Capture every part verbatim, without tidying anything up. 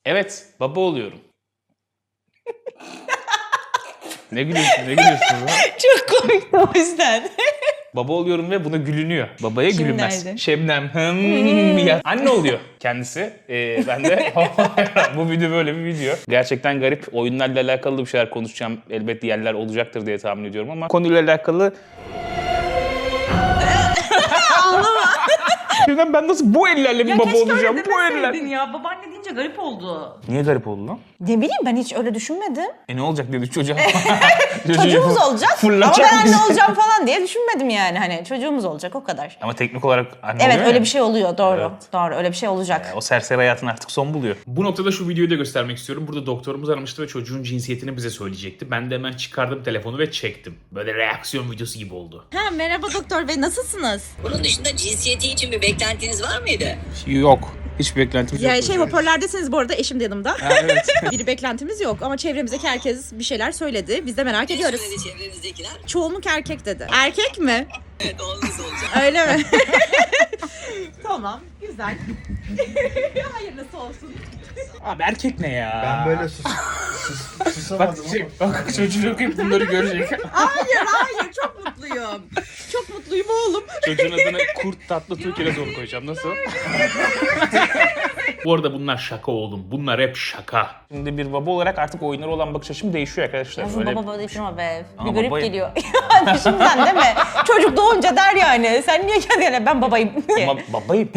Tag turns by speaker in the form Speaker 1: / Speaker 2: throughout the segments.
Speaker 1: Evet, baba oluyorum. Ne gülüyorsun, ne gülüyorsun lan?
Speaker 2: Çok komik o yüzden.
Speaker 1: Baba oluyorum ve buna gülünüyor. Babaya
Speaker 2: Kim
Speaker 1: gülünmez.
Speaker 2: nerede?
Speaker 1: Şebnem hım ya. Anne oluyor kendisi. Ee, ben de bu video böyle bir video. Gerçekten garip. Oyunlarla alakalı bir şeyler konuşacağım. Elbette yerler olacaktır diye tahmin ediyorum ama konuyla alakalı... Şebnem ben nasıl bu ellerle bir
Speaker 2: Ya
Speaker 1: baba
Speaker 2: keşke
Speaker 1: olacağım?
Speaker 2: öyle
Speaker 1: Bu eller.
Speaker 2: demeseydin ya. Babaanne deyince garip oldu.
Speaker 1: Niye garip oldu lan?
Speaker 2: Ne bileyim ben hiç öyle düşünmedim.
Speaker 1: E ne olacak dedi çocuğa.
Speaker 2: Çocuğumuz olacak ama
Speaker 1: fırlatacak
Speaker 2: ben
Speaker 1: bizi.
Speaker 2: anne olacağım falan diye düşünmedim yani. Hani çocuğumuz olacak o kadar.
Speaker 1: Ama teknik olarak anne
Speaker 2: Evet
Speaker 1: oluyor
Speaker 2: öyle
Speaker 1: ya.
Speaker 2: bir şey oluyor doğru.
Speaker 1: Evet.
Speaker 2: Doğru öyle bir şey olacak.
Speaker 1: O serseri hayatın artık son buluyor. Bu noktada şu videoyu da göstermek istiyorum. Burada doktorumuz aramıştı ve çocuğun cinsiyetini bize söyleyecekti. Ben de hemen çıkardım telefonu ve çektim. Böyle reaksiyon videosu gibi oldu.
Speaker 2: Ha merhaba doktor bey nasılsınız?
Speaker 3: Bunun dışında cinsiyeti için bir beklentiniz var mıydı?
Speaker 1: Yok. Hiçbir beklentimiz
Speaker 4: Ya
Speaker 1: yok.
Speaker 4: şey hoparlördesiniz bu arada eşim de yanımda.
Speaker 1: Ha, evet.
Speaker 4: Bir beklentimiz yok ama çevremizdeki herkes bir şeyler söyledi. Biz de merak ediyoruz.
Speaker 3: Söyledi çevrenizdekiler.
Speaker 4: Çoğunluk erkek dedi. Erkek mi?
Speaker 3: Evet oğlunuz olacak.
Speaker 4: Öyle mi? Tamam, güzel. Hayırlısı olsun.
Speaker 1: Abi erkek ne ya?
Speaker 5: Ben böyle sus, sus,
Speaker 1: Bak,
Speaker 5: susamadım
Speaker 1: şey,
Speaker 5: ama.
Speaker 1: bak çocuk hep bunları görecek.
Speaker 4: Hayır, hayır. Çok mutluyum. Çok mutluyum oğlum.
Speaker 1: Çocuğun adını Kurt Tatlı Türkiye'de zor koyacağım. Nasıl? Bu arada bunlar şaka oğlum. Bunlar hep şaka. Şimdi bir baba olarak artık oyunlara olan bakış açım değişiyor arkadaşlar.
Speaker 2: Yazın
Speaker 1: Böyle...
Speaker 2: baba baba deyip durma be.
Speaker 1: Ama
Speaker 2: Bir garip
Speaker 1: babayım.
Speaker 2: geliyor. Yani şimdiden değil mi? Çocuk doğunca der yani. Sen niye kendine ben babayım diye.
Speaker 1: Ama babayım.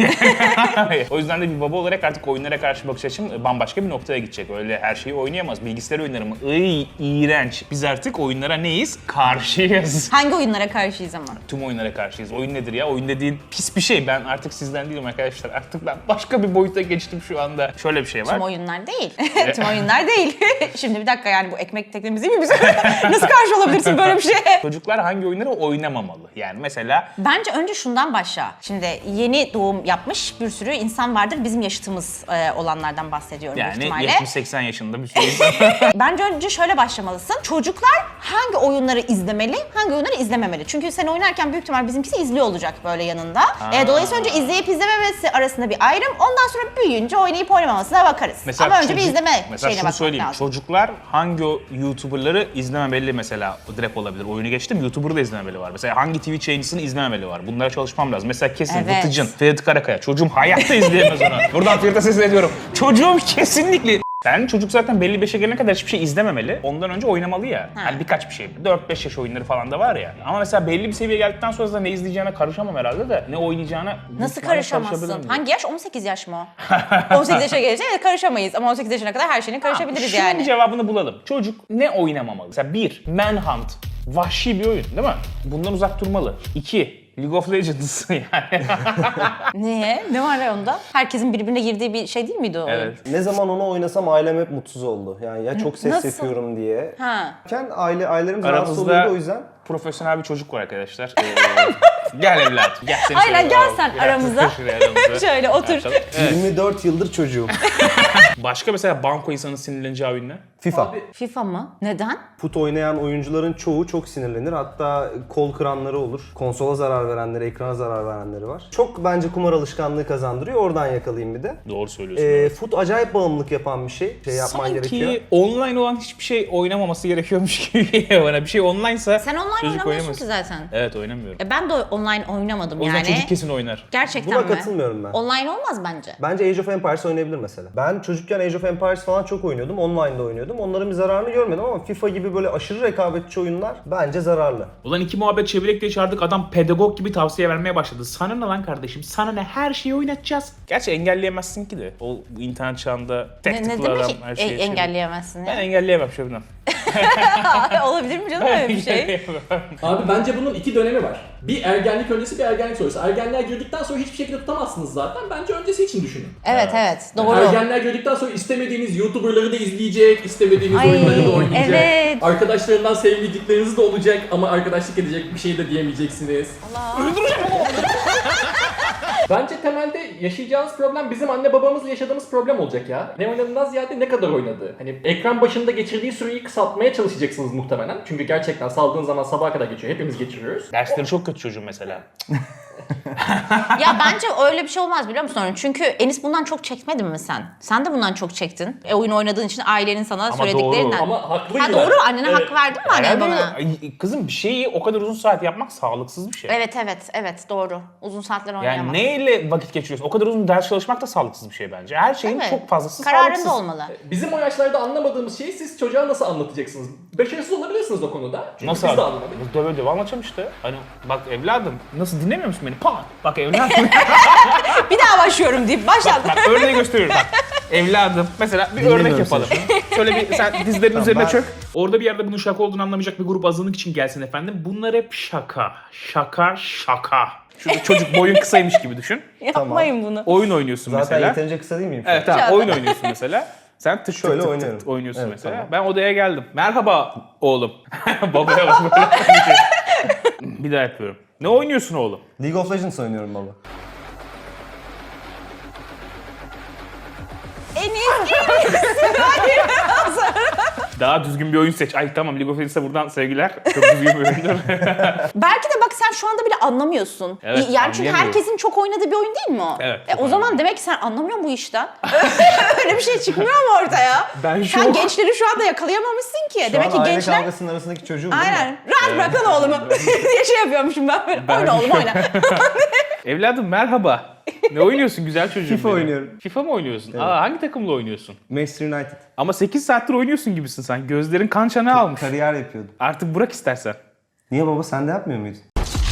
Speaker 1: O yüzden de bir baba olarak artık oyunlara karşı bakış açım bambaşka bir noktaya gidecek. Öyle her şeyi oynayamaz. Bilgisayar oyunları mı? Iy, iğrenç. Biz artık oyunlara neyiz? Karşıyız.
Speaker 2: Hangi oyunlara karşıyız ama?
Speaker 1: Tüm oyunlara karşıyız. Oyun nedir ya? Oyun dediğin pis bir şey. Ben artık sizden değilim arkadaşlar. Artık ben başka bir boyuta geçtim şu anda. Şöyle bir şey var.
Speaker 2: Tüm oyunlar değil. Tüm oyunlar değil. Şimdi bir dakika yani bu ekmek teknemiz değil mi biz? Nasıl karşı olabilirsin böyle bir şeye?
Speaker 1: Çocuklar hangi oyunları oynamamalı? Yani mesela
Speaker 2: Bence önce şundan başla. Şimdi yeni doğum yapmış bir sürü insan vardır. Bizim yaşıtımız e, olanlardan bahsediyorum büyük
Speaker 1: yani
Speaker 2: ihtimalle.
Speaker 1: yetmiş seksen yaşında bir sürü insan.
Speaker 2: Bence önce şöyle başlamalısın. Çocuklar hangi oyunları izlemeli, hangi oyunları izlememeli? Çünkü sen oynarken büyük ihtimal bizimkisi izliyor olacak böyle yanında. E, dolayısıyla önce izleyip izlememesi arasında bir ayrım. Ondan sonra büyüyünce oynayıp oynamamasına bakarız. Ama önce
Speaker 1: çocuk-
Speaker 2: bir izleme
Speaker 1: mesela
Speaker 2: şeyine
Speaker 1: şunu
Speaker 2: bakmak
Speaker 1: söyleyeyim.
Speaker 2: lazım.
Speaker 1: Çocuklar hangi o YouTuber'ları izlememeli mesela direkt olabilir. Oyunu geçtim YouTuber'ı da izlememeli var. Mesela hangi T V yayıncısını izlememeli var. Bunlara çalışmam lazım. Mesela kesin
Speaker 2: Evet.
Speaker 1: Vıtıcın, Ferit Karakaya. Çocuğum hayatta izleyemez onu. Buradan Ferit'e sesleniyorum. Çocuğum kesinlikle... Yani çocuk zaten belli bir yaşa gelene kadar hiçbir şey izlememeli. Ondan önce oynamalı ya.
Speaker 2: Ha.
Speaker 1: Hani birkaç bir şey. dört beş yaş oyunları falan da var ya. Ama mesela belli bir seviyeye geldikten sonra da ne izleyeceğine karışamam herhalde de. Ne oynayacağına...
Speaker 2: Nasıl
Speaker 1: muhtemelen karışabilirim
Speaker 2: karışamazsın?
Speaker 1: diye.
Speaker 2: Hangi yaş? on sekiz yaş mı o? on sekiz yaşa gelince evet, karışamayız ama on sekiz yaşına kadar her şeyine karışabiliriz
Speaker 1: Şunun
Speaker 2: yani.
Speaker 1: cevabını bulalım. Çocuk ne oynamamalı? Mesela bir, Manhunt. Vahşi bir oyun değil mi? Bundan uzak durmalı. İki, League of Legends yani.
Speaker 2: Niye? Ne var ya onda? Herkesin birbirine girdiği bir şey değil miydi o oyun?
Speaker 1: Evet.
Speaker 5: Ne zaman onu oynasam ailem hep mutsuz oldu. Yani ya çok ses
Speaker 2: Nasıl?
Speaker 5: yapıyorum diye.
Speaker 2: Ha.
Speaker 5: Ken aile ailelerimiz rahatsız
Speaker 1: Aramızda
Speaker 5: oluyordu o yüzden.
Speaker 1: profesyonel bir çocuk var arkadaşlar. Ee, gel evlat. Gel seni
Speaker 2: Aynen,
Speaker 1: şöyle
Speaker 2: gel
Speaker 1: alalım.
Speaker 2: sen
Speaker 1: Gel
Speaker 2: aramıza.
Speaker 1: şuraya aramıza.
Speaker 2: Şöyle otur.
Speaker 1: Açalım. Evet.
Speaker 5: yirmi dört yıldır çocuğum.
Speaker 1: Başka mesela banko insanın sinirleneceği oyun ne?
Speaker 5: FIFA.
Speaker 2: FIFA mı? Neden?
Speaker 5: Fut oynayan oyuncuların çoğu çok sinirlenir. Hatta kol kıranları olur. Konsola zarar verenleri, ekrana zarar verenleri var. Çok bence kumar alışkanlığı kazandırıyor. Oradan yakalayayım bir de.
Speaker 1: Doğru söylüyorsun.
Speaker 5: Ee, fut acayip bağımlılık yapan bir şey. Şey yapman
Speaker 1: Sanki
Speaker 5: gerekiyor.
Speaker 1: online olan hiçbir şey oynamaması gerekiyormuş gibi geliyor bana. Bir şey online'sa
Speaker 2: Sen online
Speaker 1: çocuk
Speaker 2: oynamıyorsun
Speaker 1: oynamaz.
Speaker 2: ki zaten.
Speaker 1: Evet oynamıyorum.
Speaker 2: E ben de online oynamadım
Speaker 1: O yüzden
Speaker 2: yani.
Speaker 1: çocuk kesin oynar.
Speaker 2: Gerçekten
Speaker 5: Buna
Speaker 2: mi?
Speaker 5: katılmıyorum ben.
Speaker 2: Online olmaz bence.
Speaker 5: Bence Age of Empires oynayabilir mesela. Ben çocukken Age of Empires falan çok oynuyordum. Online'da oynuyordum. Onların bir zararını görmedim ama FIFA gibi böyle aşırı rekabetçi oyunlar bence zararlı.
Speaker 1: Ulan iki muhabbet çevirek diye çağırdık, adam pedagog gibi tavsiye vermeye başladı. Sana ne lan kardeşim? Sana ne? Her şeyi oynatacağız. Gerçi engelleyemezsin ki de. O bu internet çağında tek
Speaker 2: Ne, ne
Speaker 1: tıkla
Speaker 2: demek
Speaker 1: adam
Speaker 2: ki
Speaker 1: her
Speaker 2: e-
Speaker 1: şeyi...
Speaker 2: engelleyemezsin
Speaker 1: Ben
Speaker 2: ya?
Speaker 1: engelleyemem Şebnem.
Speaker 2: Olabilir mi canım öyle bir şey?
Speaker 1: Engelleyemem.
Speaker 6: Abi bence bunun iki dönemi var. Bir ergenlik öncesi, bir ergenlik sonrası. Ergenliğe girdikten sonra hiçbir şekilde tutamazsınız zaten. Bence öncesi için düşünün.
Speaker 2: Evet evet doğru.
Speaker 6: Ergenliğe girdikten sonra istemediğiniz YouTuber'ları da izleyecek, istemediğiniz
Speaker 2: Ay,
Speaker 6: oyunları da oynayacak.
Speaker 2: evet.
Speaker 6: Arkadaşlarından sevmedikleriniz de olacak ama arkadaşlık edecek bir şey de diyemeyeceksiniz. Bence temelde yaşayacağınız problem bizim anne babamızla yaşadığımız problem olacak ya. Ne oynadığından ziyade ne kadar oynadığı. Hani ekran başında geçirdiği süreyi kısaltmaya çalışacaksınız muhtemelen. Çünkü gerçekten saldığın zaman sabaha kadar geçiyor. Hepimiz geçiriyoruz.
Speaker 1: Dersleri çok kötü çocuğun mesela.
Speaker 2: Ya bence öyle bir şey olmaz biliyor musun? Çünkü Enis bundan çok çekmedin mi sen? Sen de bundan çok çektin. E, oyun oynadığın için ailenin sana söylediklerinden.
Speaker 1: doğru.
Speaker 6: Ama haklıydı.
Speaker 2: Ha doğru, annene
Speaker 6: Evet.
Speaker 2: hak verdin mi annen
Speaker 1: Herhalde
Speaker 2: bana?
Speaker 1: ay, kızım bir şeyi o kadar uzun saat yapmak sağlıksız bir şey.
Speaker 2: Evet evet evet doğru. Uzun saatler oynayamam.
Speaker 1: Yani neyle vakit geçiriyorsun? O kadar uzun ders çalışmak da sağlıksız bir şey bence. Her şeyin
Speaker 2: Değil mi?
Speaker 1: çok fazlası
Speaker 2: Kararında
Speaker 1: sağlıksız.
Speaker 2: olmalı.
Speaker 6: Bizim o yaşlarda anlamadığımız şeyi siz çocuğa nasıl anlatacaksınız? Başarısız olabilirsiniz o konuda. Çünkü
Speaker 1: Nasıl
Speaker 6: biz de
Speaker 1: abi?
Speaker 6: anlamadık.
Speaker 1: Döve döve anlatacağım işte. Hani bak evladım nasıl dinlemiyor musun beni? Pa! Bak evladım.
Speaker 2: Bir daha başlıyorum deyip başladım.
Speaker 1: bak örneği gösteriyorum bak. Evladım mesela bir
Speaker 5: Dinlemiyorum
Speaker 1: örnek yapalım. Şöyle bir sen dizlerin üzerine
Speaker 5: ben-
Speaker 1: çök. Orada bir yerde bunun şaka olduğunu anlamayacak bir grup azınlık için gelsin efendim. Bunlar hep şaka. Şaka şaka. Şurada çocuk boyun kısaymış gibi düşün.
Speaker 2: Yapmayın bunu.
Speaker 1: Oyun oynuyorsun
Speaker 5: Zaten
Speaker 1: mesela.
Speaker 5: yeterince kısa değil miyim? şu an?
Speaker 1: Evet tamam
Speaker 2: Şu
Speaker 1: oyun oynuyorsun mesela. Sen tık
Speaker 5: Şöyle
Speaker 1: tık tık
Speaker 5: oynuyorum.
Speaker 1: tık oynuyorsun
Speaker 5: Evet,
Speaker 1: mesela.
Speaker 5: tamam.
Speaker 1: Ben odaya geldim. Merhaba oğlum. Babaya bak böyle. Bir daha yapıyorum. Ne oynuyorsun oğlum?
Speaker 5: League of Legends oynuyorum baba.
Speaker 2: Enis
Speaker 1: Daha düzgün bir oyun seç. Ay tamam League of Legends'a buradan sevgiler. Çok düzgün bir oyundur.
Speaker 2: belki de bak sen şu anda bile anlamıyorsun.
Speaker 1: Evet,
Speaker 2: yani çünkü
Speaker 1: anlayamıyorum.
Speaker 2: herkesin çok oynadığı bir oyun değil mi o?
Speaker 1: Evet,
Speaker 2: E,
Speaker 1: çok
Speaker 2: o zaman
Speaker 1: anlıyorum.
Speaker 2: demek ki sen anlamıyorsun bu işten. Öyle bir şey çıkmıyor mu ortaya?
Speaker 1: Ben şu
Speaker 2: Sen
Speaker 1: an-
Speaker 2: gençleri şu anda yakalayamamışsın ki.
Speaker 5: Şu
Speaker 2: demek
Speaker 5: an
Speaker 2: ki
Speaker 5: aile
Speaker 2: gençler...
Speaker 5: kavgasının arasındaki çocuğum değil mi?
Speaker 2: Aynen. Rahat bırak lan oğlumu diye şey yapıyormuşum ben böyle.
Speaker 1: Ben
Speaker 2: oyna oğlum
Speaker 1: şu-
Speaker 2: oyna.
Speaker 1: Evladım merhaba. Ne oynuyorsun güzel çocuğum
Speaker 5: FIFA
Speaker 1: benim?
Speaker 5: oynuyorum.
Speaker 1: FIFA mı oynuyorsun? Aa hangi takımla oynuyorsun?
Speaker 5: Manchester United.
Speaker 1: Ama sekiz saattir oynuyorsun gibisin sen. Gözlerin kan çanağı almış.
Speaker 5: Kariyer yapıyordum.
Speaker 1: Artık bırak istersen.
Speaker 5: Niye baba sen de yapmıyor muydun?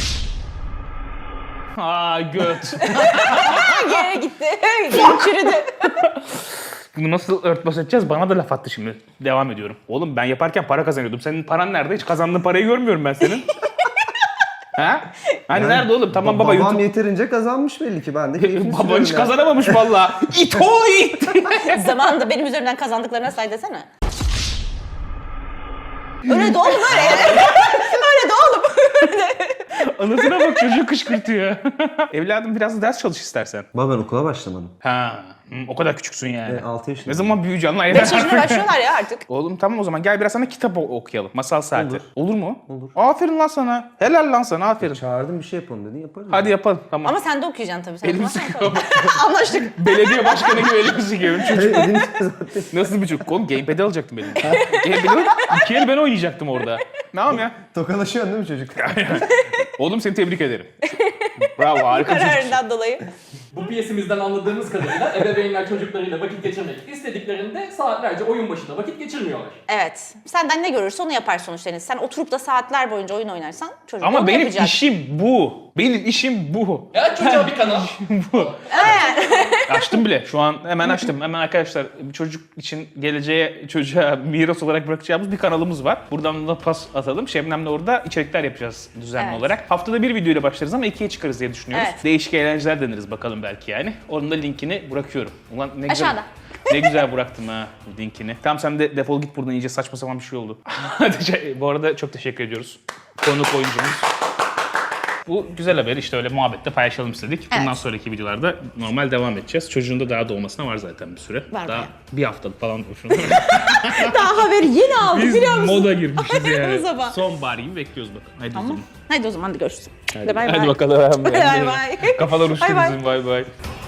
Speaker 1: Aa göt.
Speaker 2: Geri gitti. Geri çürüdü.
Speaker 1: Bunu nasıl örtbas edeceğiz? Bana da laf attı şimdi. Devam ediyorum. Oğlum ben yaparken para kazanıyordum. Senin paran nerede? Hiç kazandığın parayı görmüyorum ben senin. ha? Hani
Speaker 5: Yani
Speaker 1: nerede oğlum? Tamam
Speaker 5: ba-
Speaker 1: baba
Speaker 5: Babam
Speaker 1: YouTube.
Speaker 5: yeterince kazanmış belli ki ben de keyfini
Speaker 1: Baba
Speaker 5: sürüyorum
Speaker 1: hiç
Speaker 5: ya.
Speaker 1: kazanamamış valla. İt o it.
Speaker 2: Zamanında benim üzerimden kazandıklarına say desene. Öyle de oğlum öyle. Öyle de oğlum.
Speaker 1: Anasına bak çocuğu kışkırtıyor. Evladım biraz da ders çalış istersen.
Speaker 5: Baba ben okula başlamadım.
Speaker 1: Ha, hı, o kadar küçüksün yani.
Speaker 5: Ben altı yaşındayım.
Speaker 1: Ne zaman büyüyeceksin lan?
Speaker 2: beş yaşında başlıyorlar ya artık.
Speaker 1: Oğlum tamam o zaman gel biraz sana kitap o- okuyalım. Masal saati.
Speaker 5: Olur.
Speaker 1: Olur mu?
Speaker 5: Olur.
Speaker 1: Aferin lan sana. Helal lan sana aferin.
Speaker 5: Çağırdım bir şey yapalım dedin yaparız.
Speaker 1: Hadi yapalım tamam.
Speaker 2: Ama sen de okuyacaksın tabii. Sen
Speaker 1: Elim
Speaker 2: okumazsan
Speaker 1: sıkıyor.
Speaker 2: anlaştık.
Speaker 1: Belediye başkanı gibi elimi sıkıyorum. Çocuk
Speaker 5: Hayır, elini zaten.
Speaker 1: nasıl bir çocuk? Oğlum gamepad'i alacaktım elimden. Gamepad'i iki el ben oynayacaktım orada. Ne yapayım ya?
Speaker 5: Tokalaşıyorsun değil mi çocuk?
Speaker 1: Oğlum seni tebrik ederim. Bravo harika bir çocuk.
Speaker 2: Kararından dolayı.
Speaker 6: Bu piyesimizden anladığımız kadarıyla ebeveynler çocuklarıyla vakit geçirmek istediklerinde saatlerce oyun başında vakit geçirmiyorlar.
Speaker 2: Evet. Senden ne görürse onu yapar sonuçta Enis. Sen oturup da saatler boyunca oyun oynarsan çocuk da
Speaker 1: Ama
Speaker 2: onu
Speaker 1: benim
Speaker 2: yapacak.
Speaker 1: işim bu. Benim işim bu.
Speaker 6: Ya çocuğa bir kanal.
Speaker 1: bu. Açtım bile. Şu an hemen açtım. Hemen arkadaşlar bir çocuk için geleceğe çocuğa miras olarak bırakacağımız bir kanalımız var. Buradan da pas atalım. Şebnem'le orada içerikler yapacağız düzenli
Speaker 2: Evet.
Speaker 1: olarak. Haftada bir videoyla başlarız ama ikiye çıkarız diye düşünüyoruz.
Speaker 2: Evet.
Speaker 1: Değişik eğlenceler deniriz bakalım belki yani. Onun da linkini bırakıyorum. Ulan ne güzel.
Speaker 2: Aşağıda.
Speaker 1: Ne güzel bıraktım ha linkini. Tamam sen de defol git buradan, iyice saçma sapan bir şey oldu. Bu arada çok teşekkür ediyoruz. Konuk oyuncumuz. Bu güzel haber işte öyle muhabbette paylaşalım istedik. Bundan
Speaker 2: Evet.
Speaker 1: sonraki videolarda normal devam edeceğiz. Çocuğun da daha doğmasına var zaten bir süre.
Speaker 2: Var
Speaker 1: daha
Speaker 2: bayağı.
Speaker 1: bir haftalık falan boşuna.
Speaker 2: Daha haberi yeni aldık
Speaker 1: Biz
Speaker 2: biliyor musun?
Speaker 1: moda girmişiz yani.
Speaker 2: Sabah.
Speaker 1: Sonbahar gibi bekliyoruz bakalım. Hadi o
Speaker 2: Tamam.
Speaker 1: zaman.
Speaker 2: Hadi o zaman da görüşürüz.
Speaker 1: Hadi,
Speaker 2: Hadi bay
Speaker 1: hadi
Speaker 2: bay.
Speaker 1: bakalım.
Speaker 2: Bay bay.
Speaker 1: Kafalar uçtu
Speaker 2: Bay bay.
Speaker 1: bizim bay bay.